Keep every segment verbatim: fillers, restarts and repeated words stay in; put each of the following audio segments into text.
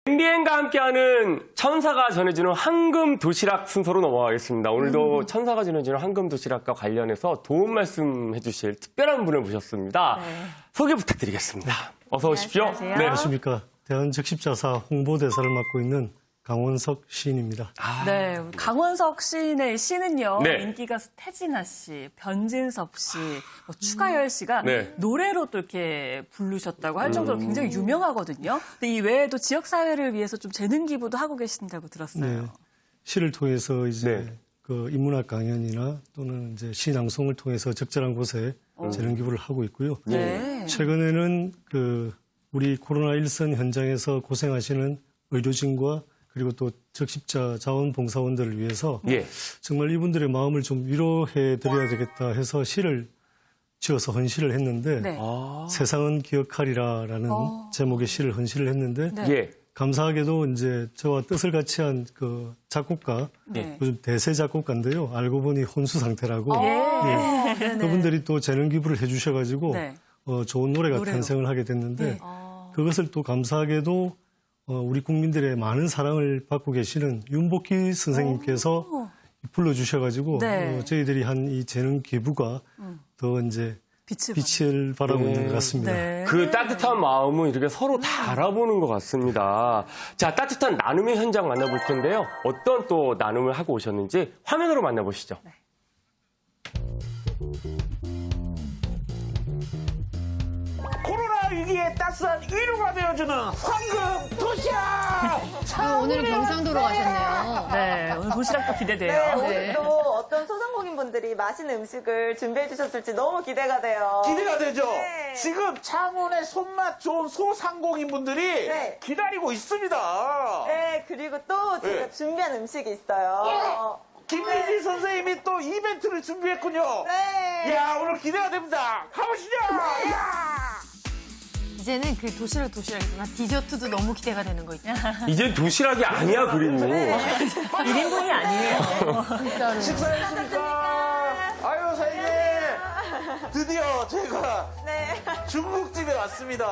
엠비엔과 함께하는 천사가 전해주는 황금 도시락 순서로 넘어가겠습니다. 오늘도 음. 천사가 전해주는 황금 도시락과 관련해서 도움 말씀해 주실 특별한 분을 모셨습니다. 네. 소개 부탁드리겠습니다. 어서 오십시오. 안녕하세요. 네. 안녕하십니까. 대한적십자사 홍보대사를 맡고 있는 강원석 시인입니다. 아, 네, 우리 강원석 시인의 시는요. 네. 인기 가수 태진아 씨, 변진섭 씨, 뭐 추가열 씨가 네. 노래로 또 이렇게 부르셨다고 할 정도로 음. 굉장히 유명하거든요. 근데 이 외에도 지역 사회를 위해서 좀 재능 기부도 하고 계신다고 들었어요. 네. 시를 통해서 이제 네. 그 인문학 강연이나 또는 이제 시 낭송을 통해서 적절한 곳에 오. 재능 기부를 하고 있고요. 네. 최근에는 그 우리 코로나 일선 현장에서 고생하시는 의료진과 그리고 또 적십자 자원봉사원들을 위해서 예. 정말 이분들의 마음을 좀 위로해 드려야 되겠다 해서 시를 지어서 헌시를 했는데 네. 아. 세상은 기억하리라라는 어. 제목의 시를 헌시를 했는데 네. 예. 감사하게도 이제 저와 뜻을 같이 한 그 작곡가 네. 요즘 대세 작곡가인데요. 알고 보니 혼수 상태라고 예. 예. 그분들이 또 재능 기부를 해주셔가지고 네. 어, 좋은 노래가 노래로. 탄생을 하게 됐는데 네. 그것을 또 감사하게도 어, 우리 국민들의 많은 사랑을 받고 계시는 윤복희 선생님께서 오. 불러주셔가지고 네. 어, 저희들이 한 이 재능 기부가 음. 더 이제 빛을, 빛을 발하고 있는 것 같습니다. 네. 그 따뜻한 마음은 이렇게 서로 다 알아보는 것 같습니다. 자, 따뜻한 나눔의 현장 만나볼 텐데요. 어떤 또 나눔을 하고 오셨는지 화면으로 만나보시죠. 네. 코로나 위기에 따스한 위로가 되어주는 황금 도시락! 아, 오늘은 경상도로 가셨네요. 네, 오늘 도시락도 네, 기대돼요. 오늘도 어떤 소상공인분들이 맛있는 음식을 준비해 주셨을지 너무 기대가 돼요. 기대가 되죠? 네. 지금 창원의 손맛 좋은 소상공인분들이 네. 기다리고 있습니다. 네, 그리고 또 제가 네. 준비한 음식이 있어요. 김민지 선생님이 또 이벤트를 준비했군요. 네. 이야, 오늘 기대가 됩니다. 가보시죠! 이야! 이제는 그 도시락 도시락이지만 디저트도 너무 기대가 되는 거 있죠. 이제 도시락이 아니야, 그림이. 일 인분이 아니에요. 식사했습니까? 아유, 사장님. 드디어 제가 네. 중국집에 왔습니다.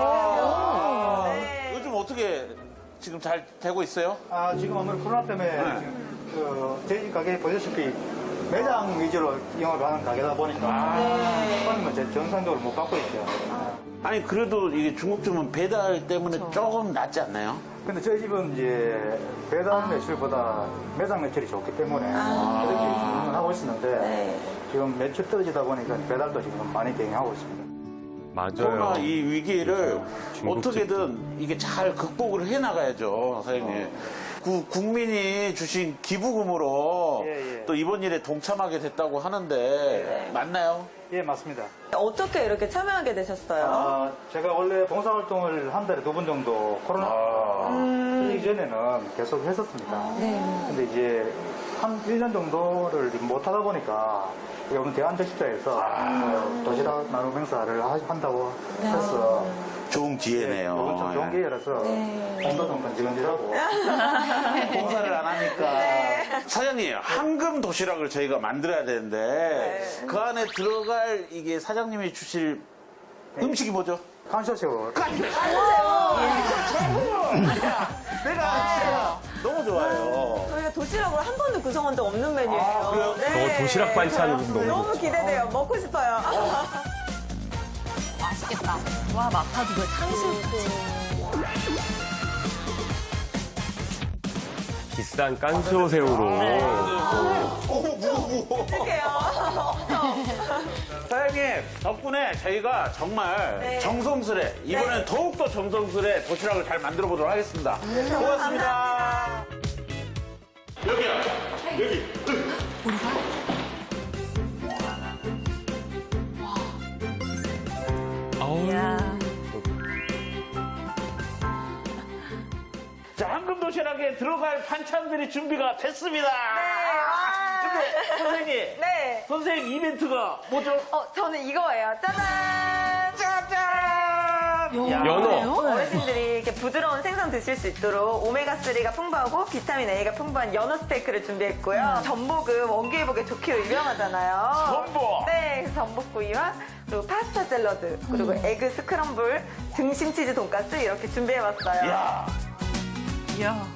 네. 요즘 어떻게 지금 잘 되고 있어요? 아, 지금 아무래도 코로나 때문에 네. 지금 그 저희 가게 보셨다시피 매장 위주로 영업을 하는 가게다 보니까 손님은 제 정상적으로 못 받고 있죠. 아니 그래도 이게 중국집은 배달 때문에 조금 낫지 않나요? 근데 저희 집은 이제 배달 매출보다 매장 매출이 좋기 때문에 그렇게 진행을 하고 있었는데 지금 매출 떨어지다 보니까 배달도 지금 많이 대응하고 있습니다. 코로나 맞아요. 이 위기를 중국집도. 어떻게든 이게 잘 극복을 해 나가야죠, 사장님. 그 국민이 주신 기부금으로 예, 예. 또 이번 일에 동참하게 됐다고 하는데 맞나요? 예, 맞습니다. 어떻게 이렇게 참여하게 되셨어요? 아, 제가 원래 봉사활동을 한 달에 두 번 정도 코로나 그 이전에는 계속 했었습니다. 근데 이제 한 일 년 정도를 못 하다 보니까 오늘 대한적십자에서 어, 도시락 나눔 행사를 하- 한다고 해서 좋은 기회네요. 이건 좀 좋은 기회라서 공도 좀 건지건지하고 봉사를 안 하니까. 사장님, 황금 도시락을 저희가 만들어야 되는데 그 안에 들어갈 이게 사장님이 주실 음식이 뭐죠? 칸쇼쇼 내가 진짜 너무 좋아요. 저희가 도시락으로 한 번도 구성한 적 없는 메뉴예요. 아, 그래요? 저 도시락 반찬은 너무 너무 기대돼요. 먹고 싶어요. 맛있겠다. 와, 마파두부에 탕수육까지. 비싼 깐쇼새우로. 오, 무거워, 무거워. 어떡해요. 사장님 덕분에 저희가 정말 네. 정성스레 이번엔 네. 더욱더 정성스레 도시락을 잘 만들어 보도록 하겠습니다. 고맙습니다. 여기야 여기. 아우. 야. 자 황금 도시락에 들어갈 반찬들이 준비가 됐습니다. 근데 선생님 네. 선생님 이벤트가 뭐죠? 어, 저는 이거예요. 짜잔! 짜잔. 야. 연어. 어르신들이 이렇게 부드러운 생선 드실 수 있도록 오메가삼가 풍부하고 비타민 A가 풍부한 연어 스테이크를 준비했고요. 전복은 원기회복에 좋기로 유명하잖아요. 전복! 네, 그래서 전복구이와 그리고 파스타 샐러드, 그리고 에그 스크럼블, 등심 치즈 돈가스 이렇게 준비해봤어요. 야. 이야.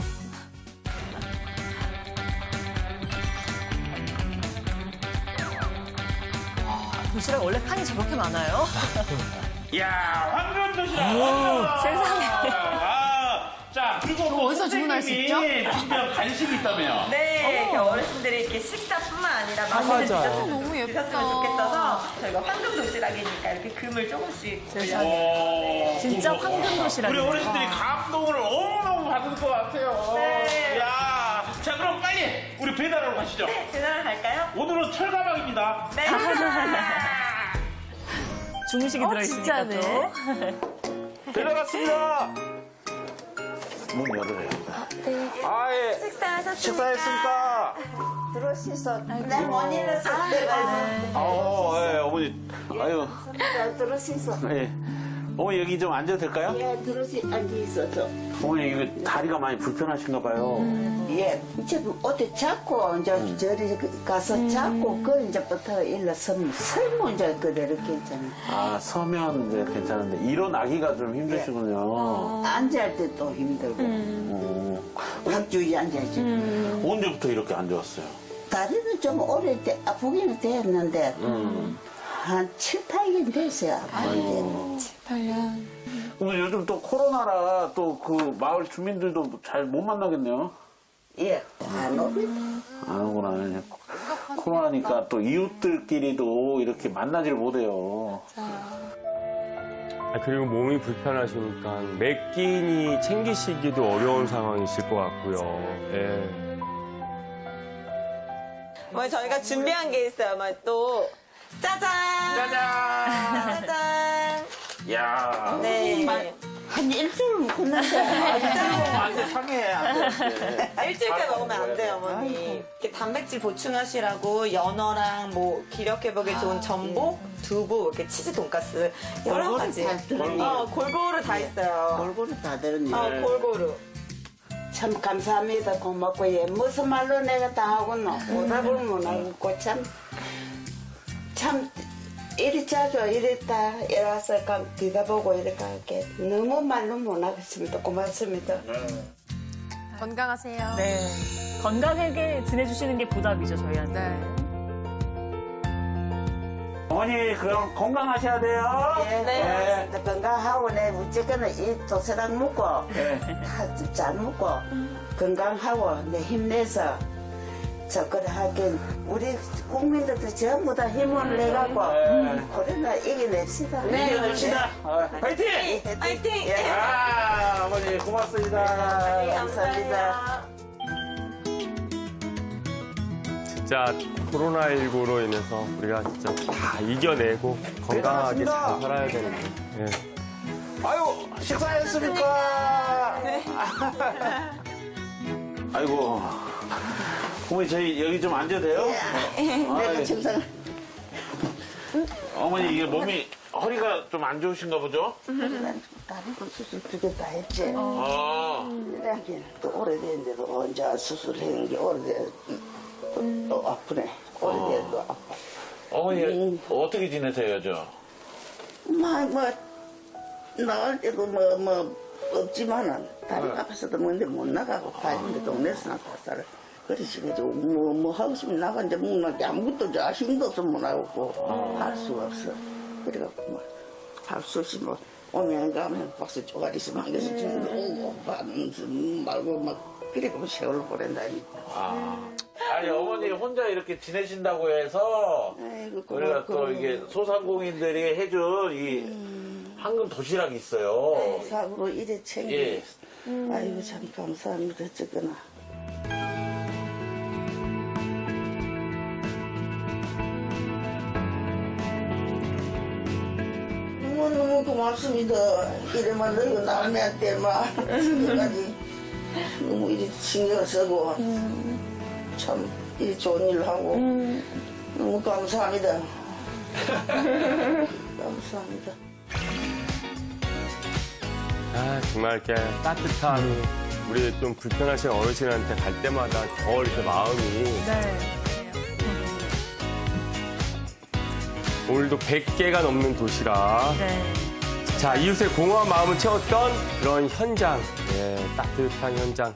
와, 도시락 원래 칸이 저렇게 많아요? 이야, 황금 도시락! 황금! 세상에. 아, 자, 그리고 또 어디서 주문할 수 선생님이 준비한 간식이 있다며요? 네, 이렇게 어르신들이 이렇게 식사뿐만 아니라 맛있는 맞아요. 디저트도 너무 예쁘다. 드셨으면 좋겠어서 저희가 황금 도시락이니까 이렇게 금을 조금씩 올려. 오, 진짜 우와. 황금 도시락이네요. 우리 어르신들이 감동을 너무너무 받을 것 같아요. 네. 야, 자, 그럼 빨리 우리 배달하러 가시죠. 배달 갈까요? 오늘은 철가방입니다. 네. 중식이 어, 들어있으니까 진짜네. 또. 배달 왔습니다. 문 열으래요. 아, 예. 식사하셨습니까? 식사했습니까? 들어오셔서 내 머니를 썼대가 어, 예, 어머니. 아유, 들어오셔서 예. 어머니 여기 좀 앉아도 될까요? 예 들어오시 앉아 있어서 어머니 이거 다리가 많이 불편하신가 봐요. 예 이제 어디 잡고 이제 저리 가서 잡고 그 이제부터 일러서면 설문 이제 그대로 괜찮아. 아, 서면 이제 괜찮은데 일어나기가 좀 힘드시군요. 앉을 때도 힘들고 음. 확주에 앉아야지. 언제부터 이렇게 안 좋았어요? 다리는 좀 오래 돼 아프기는 됐는데 음. 한 칠, 팔 년 됐어요. 아프게. 근데 요즘 또 코로나라 또 그 마을 주민들도 잘 못 만나겠네요. 예, 안 오래. 안 오구나. 코로나니까 또 이웃들끼리도 이렇게 만나질 못해요. 아, 그리고 몸이 불편하시니까 매 끼니 챙기시기도 어려운 상황이실 것 같고요. 예. 뭐 저희가 준비한 게 있어요. 뭐 또 짜잔! 짜잔! 짜잔! 야. 네. 한 일주일 묵었는데. 안 돼, 상해. 안 돼. 아, 일주일까지 먹으면 안 돼요, 어머니. 이렇게 단백질 보충하시라고 연어랑 뭐 기력 회복에 좋은 전복, 두부, 이렇게 치즈 돈가스 여러 골고루 가지. 다 들어있네. 어, 골고루 다 있어요. 골고루 다 들었네. 어, 골고루. 참 감사합니다. 고맙고 예 무슨 말로 내가 다 하고는 오답을 못 하고 참 참 이리 자주 이랬다 이래서 뒤다보고 이렇게 할게 너무 말로 못 하겠습니다. 고맙습니다. 건강하세요. 네. 건강하게 지내주시는 게 보답이죠, 저희한테. 네. 어머니, 그럼 건강하셔야 돼요. 예, 네. 네. 건강하고 내 무조건 이 도시락 먹고 다 잘 먹고 건강하고 내 힘내서 저 그래 하긴 우리 국민들도 전부 다 힘을 내갖고 코로나 이겨냅시다. 네. 이겨냅시다. 어, 파이팅! 화이팅! 예. 아, 어머니, 고맙습니다. 네, 감사합니다. 진짜 코로나십구로 인해서 우리가 진짜 다 이겨내고 건강하게 잘 살아야 되는데. 예. 아유, 식사했습니까? 네. 아이고. 어머니, 저희 여기 좀 앉아도 돼요? 내가 청상 어머니, 이게 몸이, 허리가 좀 안 좋으신가 보죠? 다리도 수술 두 개 다 했지. 아. 이렇게 또 오래됐는데도 혼자 수술하는 게 오래돼 또, 또 아프네. 오래돼도 아파. 어머니, 음. 어떻게 지내세요, 저? 뭐, 뭐, 나갈 때도 뭐, 뭐, 없지만은, 다리 아파서도 뭔데 못 나가고, 가는데 동네에서 나가 살아. 그래서 뭐, 뭐 하고 싶으면 나가는데, 뭐, 아무것도 저 힘도 없어 못 나가고, 할 수가 없어. 그래갖고, 뭐, 할 수 없이 뭐, 오면 가면 박스 쪼가리씩 만겨서 주는데, 오고, 반은 말고, 막, 그래갖고 세월을 보낸다니까. 아. 아니, 어머니 혼자 이렇게 지내신다고 해서, 아이고, 우리가 고맙고. 또 이게 소상공인들이 해준 이 황금 도시락이 있어요. 사고로 이래 챙겨. 예. 아이고, 참 감사합니다. 어쨌거나. 너무너무 고맙습니다. 이래만 너희가 남한테 막, 지금까지 너무 이리 신경 쓰고, 참, 이리 좋은 일 하고, 너무 감사합니다. 감사합니다. 아, 정말 이렇게 따뜻한 우리 좀 불편하신 어르신한테 갈 때마다 더 이렇게 마음이 네. 오늘도 백 개가 넘는 도시락 네. 자, 이웃의 공허한 마음을 채웠던 그런 현장, 예, 따뜻한 현장.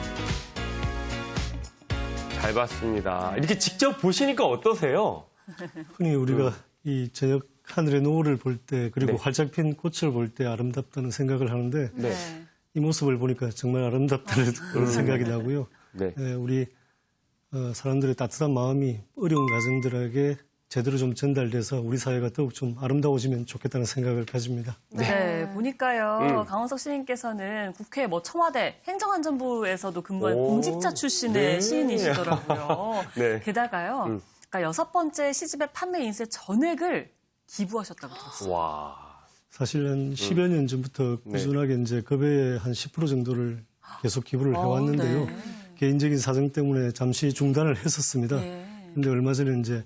잘 봤습니다. 이렇게 직접 보시니까 어떠세요? 흔히 우리가 이 저녁 하늘의 노을을 볼 때 그리고 네. 활짝 핀 꽃을 볼 때 아름답다는 생각을 하는데 네. 이 모습을 보니까 정말 아름답다는 그런 생각이 나고요. 네. 예, 우리 어, 사람들의 따뜻한 마음이 어려운 가정들에게 제대로 좀 전달돼서 우리 사회가 더욱 좀 아름다워지면 좋겠다는 생각을 가집니다. 네, 보니까요. 음. 강원석 시인께서는 국회, 뭐 청와대, 행정안전부에서도 근무한 오, 공직자 출신의 네. 시인이시더라고요. 네. 게다가요, 음. 그러니까 여섯 번째 시집의 판매 인쇄 전액을 기부하셨다고 들었어요. 와. 사실 한 십여 년 전부터 네. 꾸준하게 이제 급여의 한 십 퍼센트 정도를 계속 기부를 해왔는데요. 어, 네. 개인적인 사정 때문에 잠시 중단을 했었습니다. 네. 근데 얼마 전에 이제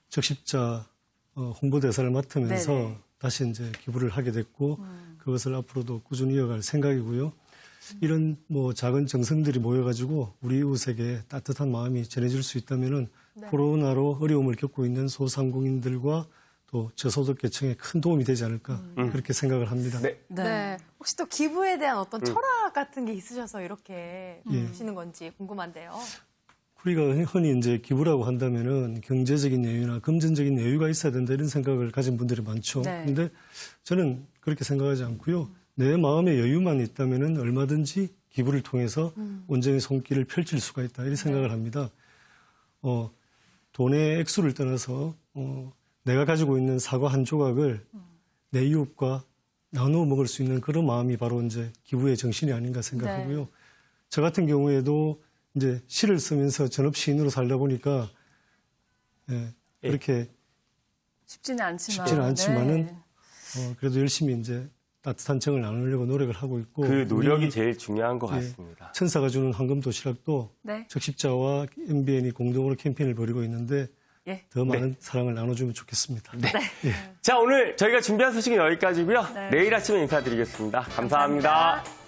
적십자 어, 홍보대사를 맡으면서 네네. 다시 이제 기부를 하게 됐고 그것을 앞으로도 꾸준히 이어갈 생각이고요. 이런 뭐 작은 정성들이 모여가지고 우리 이웃에게 따뜻한 마음이 전해질 수 있다면은 코로나로 어려움을 겪고 있는 소상공인들과 또 저소득계층에 큰 도움이 되지 않을까 그렇게 생각을 합니다. 네. 네. 네. 혹시 또 기부에 대한 어떤 철학 같은 게 있으셔서 이렇게 예. 보시는 건지 궁금한데요. 우리가 흔히 이제 기부라고 한다면은 경제적인 여유나 금전적인 여유가 있어야 된다 이런 생각을 가진 분들이 많죠. 네. 그런데 저는 그렇게 생각하지 않고요. 내 마음의 여유만 있다면은 얼마든지 기부를 통해서 온전히 손길을 펼칠 수가 있다 이런 생각을 합니다. 어, 돈의 액수를 떠나서 어, 내가 가지고 있는 사과 한 조각을 내 이웃과 나누어 먹을 수 있는 그런 마음이 바로 이제 기부의 정신이 아닌가 생각하고요. 네. 저 같은 경우에도 이제 시를 쓰면서 전업 시인으로 살다 보니까 예, 그렇게 쉽지는 않지만. 쉽지는 않지만은 네. 어, 그래도 열심히 이제 따뜻한 정을 나누려고 노력을 하고 있고 그 노력이 우리 제일 중요한 것 예, 같습니다. 천사가 주는 황금 도시락도 네. 적십자와 엠비엔이 공동으로 캠페인을 벌이고 있는데 예. 더 많은 사랑을 나눠주면 좋겠습니다. 자, 오늘 저희가 준비한 소식은 여기까지고요. 네. 내일 아침에 인사드리겠습니다 감사합니다. 감사합니다.